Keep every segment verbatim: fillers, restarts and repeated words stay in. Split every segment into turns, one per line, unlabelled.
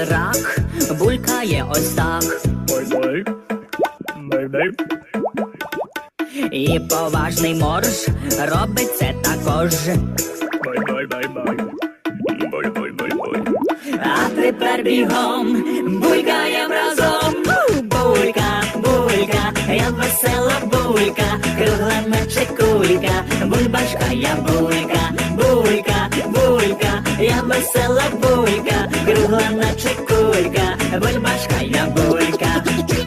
і рак булькає ось так. І поважний морж робить це також. А тепер бігом булькаєм разом. Булька, булька, я весела булька, кругла наче кулька, бульбашка я булька, булька, булька, я весела булька, кругла наче кулька, бульбашка я булька.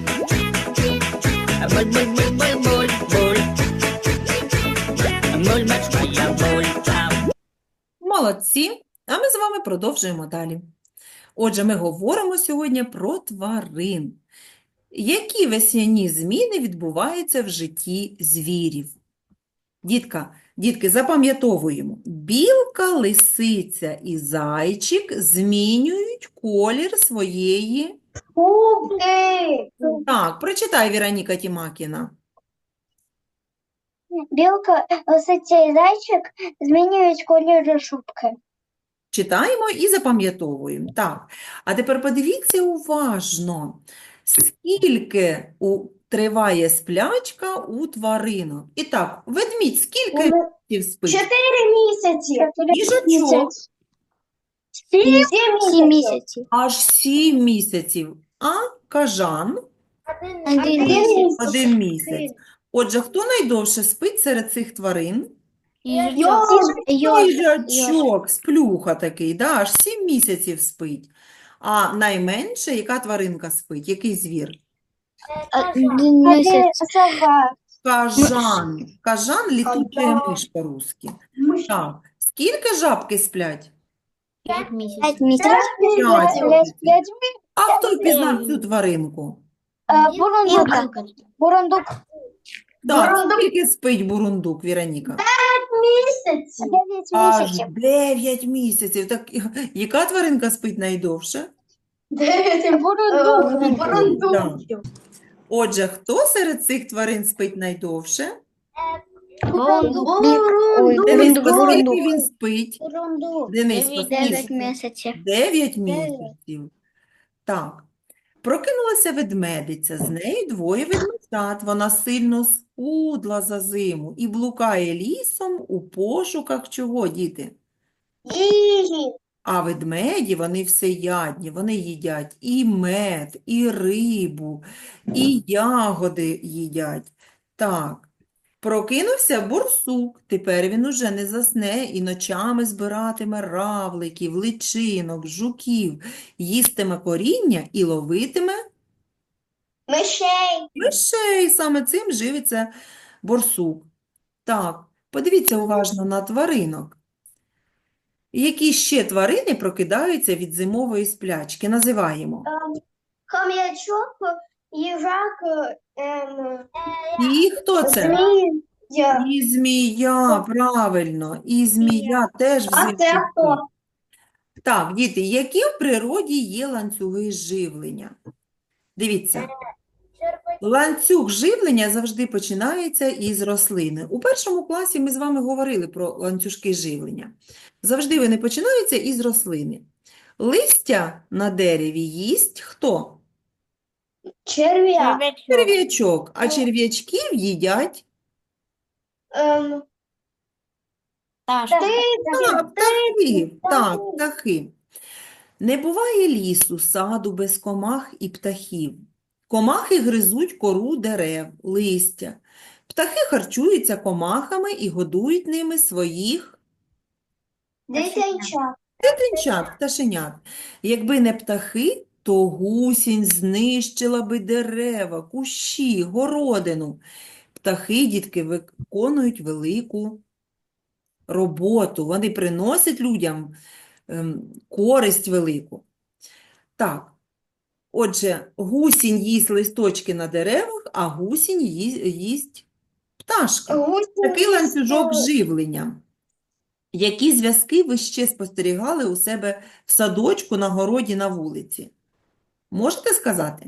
Буль-буль-буль-буль-буль, буль. Бульбашка я булька.
Молодці. А ми з вами продовжуємо далі. Отже, ми говоримо сьогодні про тварин. Які весняні зміни відбуваються в житті звірів? Дітка, дітки, запам'ятовуємо. Білка, лисиця і зайчик змінюють колір своєї...
Губки.
Так, прочитай, Віроніка Тімакіна.
Білка, лисиця і зайчик змінюють колір шубки.
Читаємо і запам'ятовуємо. Так. А тепер подивіться уважно, скільки у... триває сплячка у тваринок. І так, ведмідь скільки місяців спить?
Чотири місяці.
Їжачок
Сім
Сім місяців.
аж сім місяців, а кажан
Один
Один
місяць.
місяць.
один місяць. Отже, хто найдовше спить серед цих тварин?
Їжачок.
Їжачок, сплюха такий, да, аж сім місяців спить. А найменше, яка тваринка спить? Який звір?
Один місяць.
Сова.
Кажан. Кажан – літучая
Ага.
миш по-русски. Так. Скільки жабки сплять?
П'ять місяців.
П'ять місяців.
П'ять.
П'ять
А хто впізнав цю тваринку?
місяців. Бурундук. Бурундук.
Так,
Бурундук.
скільки спить бурундук, Віроніка?
Місяців. Дев'ять
Аж
місяців.
дев'ять місяців. Так, яка тваринка спить найдовше?
Дев'ять. Бурундук.
Так. Отже, хто серед цих тварин спить найдовше?
Бурундук.
Дениско,
Бурундук.
скільки він спить?
Бурундук.
Дениско,
Дев'ять
скільки?
місяців.
Дев'ять місяців. Так. Прокинулася ведмедиця, з нею двоє ведмежат. Вона сильно схудла за зиму і блукає лісом у пошуках чого, діти?
Їжі.
А ведмеді, вони всеядні, вони їдять і мед, і рибу, і ягоди їдять. Так, прокинувся борсук, тепер він уже не засне і ночами збиратиме равликів, личинок, жуків, їстиме коріння і ловитиме
Мишей.
мишей. Саме цим живиться борсук. Так, подивіться уважно на тваринок. Які ще тварини прокидаються від зимової сплячки? Називаємо.
Хом'ячок, їжак, ем,
І хто це?
змія.
І змія, правильно. І змія теж
А
взимку
це хто?
спить. Так, діти, які в природі є ланцюги живлення? Дивіться. Ланцюг живлення завжди починається із рослини. У першому класі ми з вами говорили про ланцюжки живлення. Завжди вони починаються із рослини. Листя на дереві їсть хто?
Черв'як.
Черв'ячок. А черв'ячків їдять
Ем,
Так.
Так, птахи. Так, птахи. Не буває лісу, саду без комах і птахів. Комахи гризуть кору дерев, листя. Птахи харчуються комахами і годують ними своїх
Дитинчак.
дитинчат, пташенят. Якби не птахи, то гусінь знищила би дерева, кущі, городину. Птахи, дітки, виконують велику роботу. Вони приносять людям ем, користь велику. Так, отже, гусінь їсть листочки на деревах, а гусінь ї- їсть пташки. Такий ланцюжок живлення. Які зв'язки ви ще спостерігали у себе в садочку, на городі, на вулиці? Можете сказати?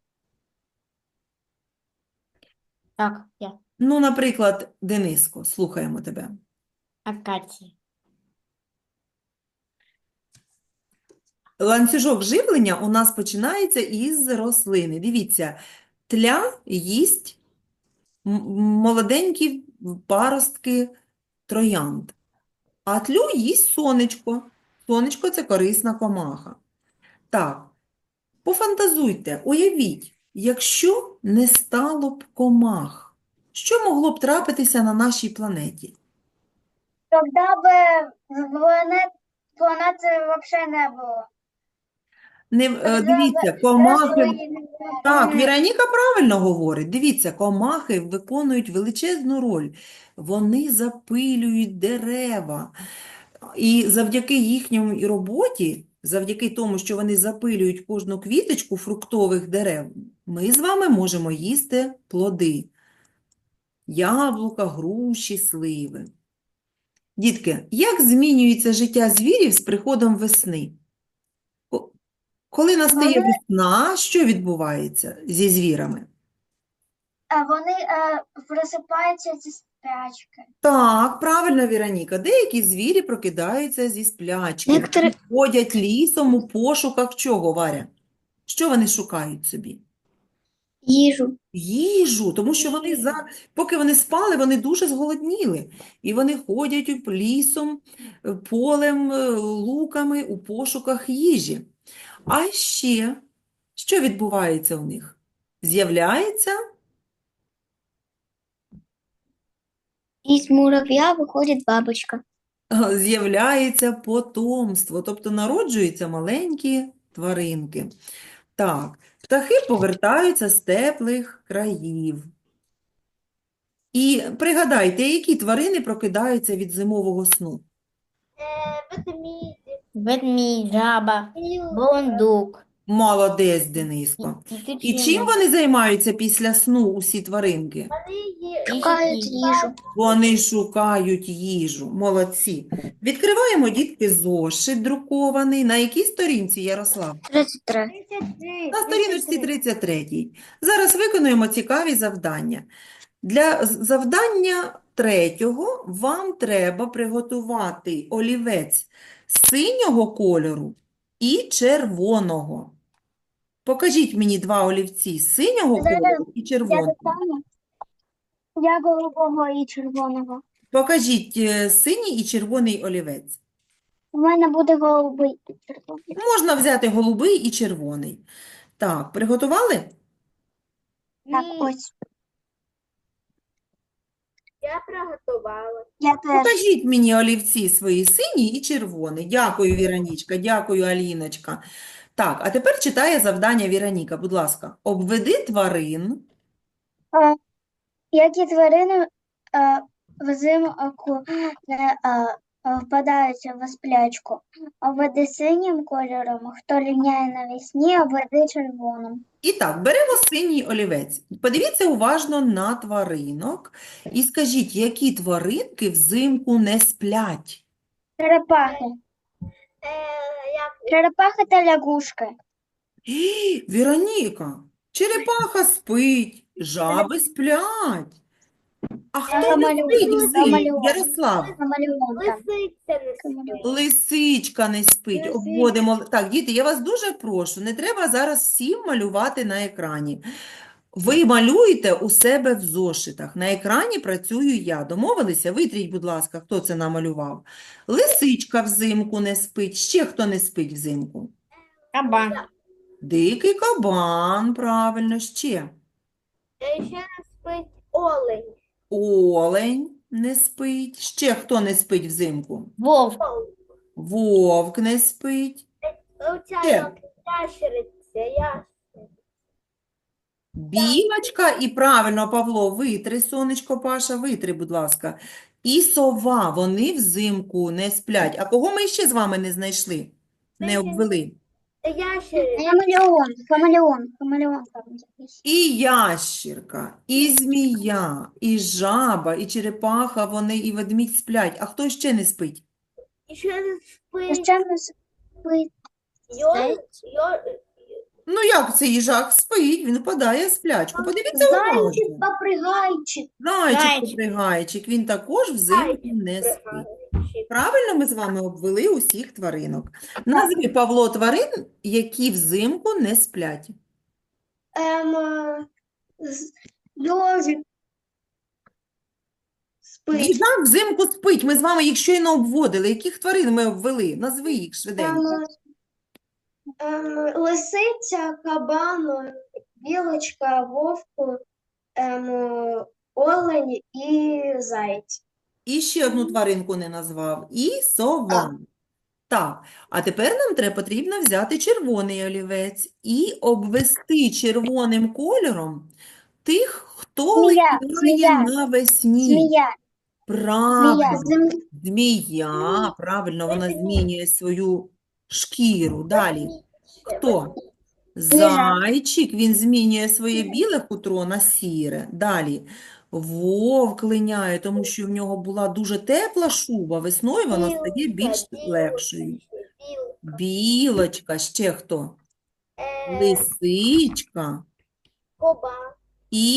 Так, я.
Ну, наприклад, Дениско, слухаємо тебе.
Акація.
Ланцюжок живлення у нас починається із рослини. Дивіться, тля їсть м- молоденькі паростки троянд, а тлю їсть сонечко. Сонечко – це корисна комаха. Так, пофантазуйте, уявіть, якщо не стало б комах, що могло б трапитися на нашій планеті?
Тогда бы планет, планеты вообще не было.
Не, е,
Тогда
дивіться,
бы
комахи,
рослин-
так, Віроніка правильно говорить. Дивіться, комахи виконують величезну роль. Вони запилюють дерева. І завдяки їхньому роботі, завдяки тому, що вони запилюють кожну квіточку фруктових дерев, ми з вами можемо їсти плоди. Яблука, груші, сливи. Дітки, як змінюється життя звірів з приходом весни? Ко- Коли настає
Вони-
весна, що відбувається зі звірами?
А вони е, просипаються зі спячки.
Так, правильно, Віроніка. Деякі звірі прокидаються зі сплячки.
Некоторі-
Вони ходять лісом у пошуках чого, Варя? Що вони шукають собі?
Їжу.
Їжу, тому що вони за поки вони спали, вони дуже зголодніли. І вони ходять у- лісом, е, полем, е, луками у пошуках їжі. А ще, що відбувається у них? З'являється
Із мурав'я виходить бабочка.
е, з'являється потомство, тобто народжуються маленькі тваринки. Так, птахи повертаються з теплих країв. І пригадайте, які тварини прокидаються від зимового сну?
Ведмідь, жаба, бурундук.
Молодець, Дениско. І чим вони займаються після сну, усі тваринки?
Шукають їжу.
Вони шукають їжу. Молодці. Відкриваємо, дітки, зошит друкований. На якій сторінці, Ярослав?
тридцять три.
На сторіночці тридцять три. Зараз виконуємо цікаві завдання. Для з- завдання третього вам треба приготувати олівець синього кольору і червоного. Покажіть мені два олівці синього
Зараз
кольору і
Я
червоного.
достану. Я голубого і червоного.
Покажіть е, синій і червоний олівець.
У мене буде голубий і червоний.
Можна взяти голубий і червоний. Так, приготували?
Так, ось.
Я приготувала.
Я теж.
Покажіть мені олівці свої синій і червоний. Дякую, Віронічка, дякую, Аліночка. Так, а тепер читає завдання Віроніка, будь ласка. Обведи тварин.
Е, Які тварини е, взимку не е, е, впадають в сплячку? Обведи синім кольором, хто ліняє навесні, обведи червоним.
І так, беремо синій олівець. Подивіться уважно на тваринок і скажіть, які тваринки взимку не сплять?
Черепахи.
Е, як
Черепахи та лягушки.
Ій, Віроніка, черепаха спить, жаби сплять. А хто не
Хамелеон,
спить взимку?
хамелеон.
Ярослав,
Хамелеон там.
лисиця не спить.
лисичка не спить.
Лисичка.
Обводимо. Так, діти, я вас дуже прошу, не треба зараз всім малювати на екрані. Ви малюєте у себе в зошитах. На екрані працюю я. Домовилися? Витріть, будь ласка, хто це намалював. Лисичка взимку не спить. Ще хто не спить взимку?
Кабан.
Дикий кабан, правильно, ще.
Е, Ще не спить олень.
Олень не спить. Ще хто не спить взимку?
Вовк.
Вовк не спить.
Оця
Ще.
як ящериця, я.
Білочка і правильно, Павло, витри, сонечко, Паша, витри, будь ласка. І сова, вони взимку не сплять. А кого ми ще з вами не знайшли? Не обвели?
Ящериця.
Хамелеон, хамелеон, хамелеон там якийсь.
І ящірка, і змія, і жаба, і черепаха, вони і ведмідь сплять. А хто ще не спить?
І ще не
І
спить
ще не спить.
йор, йор,
Ну як це їжак спить? Він впадає в сплячку. Подивіться уважно.
Попригайчик.
Зайчик
Зайчик.
попригайчик, він також взимку не спить.
пригадуєш. ящик.
Правильно ми з вами обвели усіх тваринок. Назви, Павло, тварин, які взимку не сплять.
Ем, е, з- Йожик. Спить.
Їжак взимку спить. Ми з вами їх щойно обводили. Яких тварин ми обвели? Назви їх
Ем,
швиденько.
ем, Лисиця, кабан, білочка, вовк, ем, олень і заєць.
І ще одну тваринку не назвав. І сова. Так, а тепер нам треба потрібно взяти червоний олівець і обвести червоним кольором тих, хто
Змія,
літає
змія,
навесні.
Змія,
Правильно.
змія,
Змія, правильно, вона змінює свою шкіру. Далі. Хто? Зайчик, він змінює своє біле хутро на сіре. Далі. Вовк линяє, тому що в нього була дуже тепла шуба. Весною вона стає більш
Білка,
легшою.
білка,
Білочка, ще хто?
е,
Лисичка
Кабан
і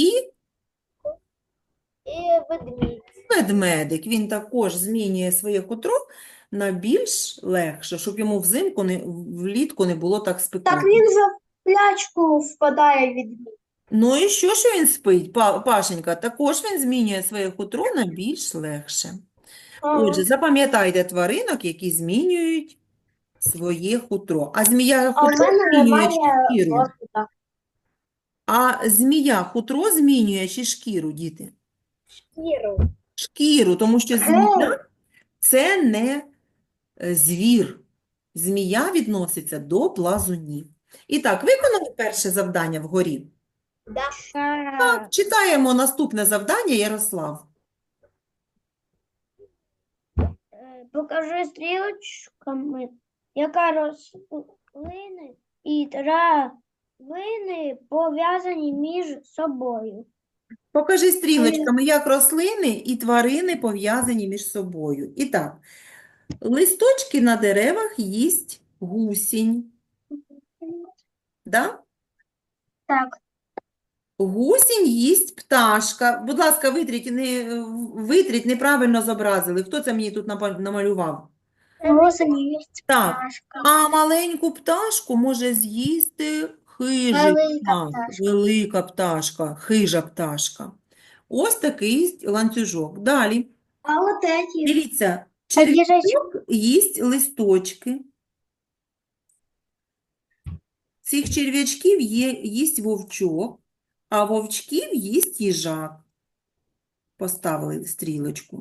і ведмідь.
ведмедик. Він також змінює своє хутро на більш легше, щоб йому взимку не, влітку не було так
Так
спекотно.
він же в плячку впадає від них.
Ну і що, що він спить, Па- Пашенька? Також він змінює своє хутро на більш легше. Отже, запам'ятайте тваринок, які змінюють своє хутро. А змія
А в
хутро
мене
змінює
немає
чи шкіру?
розвитку.
А змія хутро змінює чи шкіру, діти?
Шкіру.
Шкіру, тому що змія – це не е, звір. Змія відноситься до плазунів. І так, виконали перше завдання вгорі?
Да.
Так, читаємо наступне завдання, Ярослав.
Е, Покажи стрілочками, яка рослини і травини пов'язані між собою.
Покажи стрілочками, як рослини і тварини пов'язані між собою. І так, листочки на деревах їсть гусінь. Да?
Так.
Гусінь їсть пташка. Будь ласка, витріть, не, витріть, неправильно зобразили. Хто це мені тут напа- намалював?
Гусені є
Так,
пташка.
а маленьку пташку може з'їсти хижий
Велика
птах,
пташка.
велика пташка, хижа пташка. Ось такий ланцюжок. Далі.
А от эти.
Дивіться,
А їжачок?
черв'ячок їсть листочки. Цих черв'ячків є, їсть вовчок, а вовчків їсть їжак. Поставили стрілочку.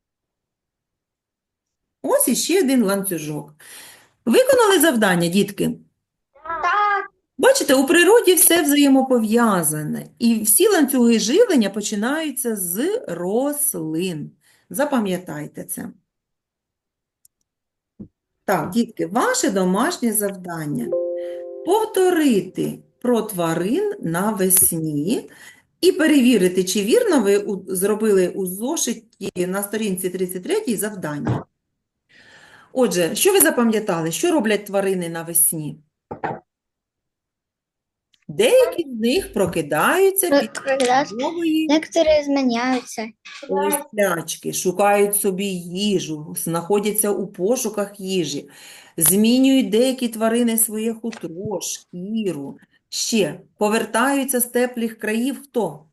Ось іще один ланцюжок. Виконали завдання, дітки?
Так.
Бачите, у природі все взаємопов'язане, і всі ланцюги живлення починаються з рослин. Запам'ятайте це. Так, дітки, ваше домашнє завдання – повторити про тварин навесні і перевірити, чи вірно ви у- зробили у зошиті на сторінці тридцять три завдання. Отже, що ви запам'ятали? Що роблять тварини навесні? Деякі з них прокидаються під
Прокидаються.
нової
Некоторые изменяются.
сплячки, шукають собі їжу, знаходяться у пошуках їжі, змінюють деякі тварини своє хутро, шкіру. Ще повертаються з теплих країв хто?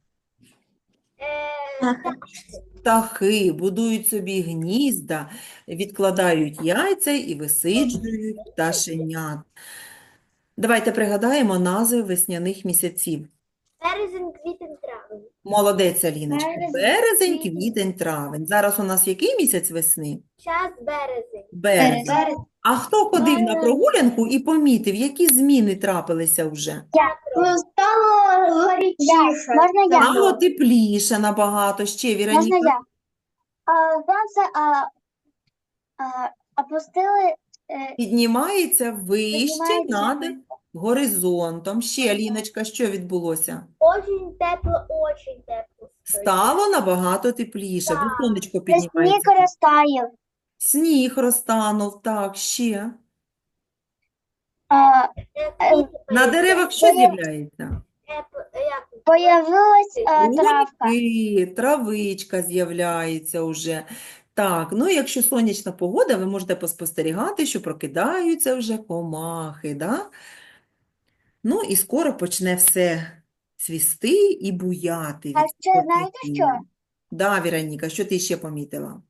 Е,
Птахи, будують собі гнізда, відкладають яйця і висиджують пташенят. Давайте пригадаємо назви весняних місяців.
Березень, квітень, травень.
Молодець, Аліночка.
Березень,
Березень,
квітень.
квітень, травень. Зараз у нас який місяць весни?
Час березень.
Березень.
Березень.
А хто ходив на
Березень.
прогулянку і помітив, які зміни трапилися вже?
Ну, стало горячіше. Можна я?
Стало тепліше набагато. Ще,
Можна
Віроніка?
я? А, сонце а, а, опустили. Е,
Піднімається вище
Піднімається
над
вище.
горизонтом. Ще, Аліночка, що відбулося?
Очень тепло, очень тепло.
Стало набагато тепліше, бо сонечко
сніг
піднімається.
розтаяв.
Сніг розтанув, так, ще.
А,
Е, квіти
На деревах що з'являється?
Е, як?
появилась а, травка.
Грибки, травичка з'являється вже. Так, ну і якщо сонячна погода, ви можете поспостерігати, що прокидаються вже комахи, да? Ну і скоро почне все цвісти і буяти
А
від
ще знаєте що?
квітіння. Да, Віроніка, що ти ще помітила?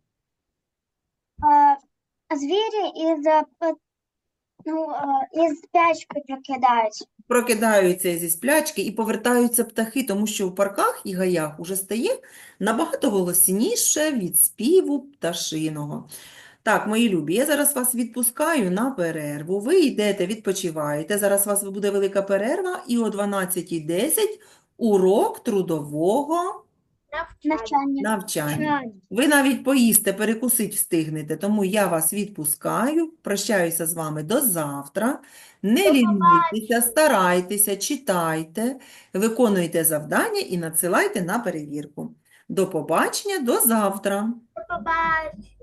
Е, Звірі із, е, п- ну, е, із спячки прокидаються.
Прокидаються зі сплячки і повертаються птахи, тому що в парках і гаях уже стає набагато голосніше від співу пташиного. Так, мої любі, я зараз вас відпускаю на перерву. Ви йдете, відпочиваєте. Зараз у вас буде велика перерва, і о дванадцятій десять урок трудового
Навчання.
Навчання.
навчання. Ви навіть поїсти, перекусить встигнете, тому я вас відпускаю, прощаюся з вами до завтра. Не
До
лінуйтеся, старайтеся, читайте, виконуйте завдання і надсилайте на перевірку. До побачення, до завтра.
До побачення.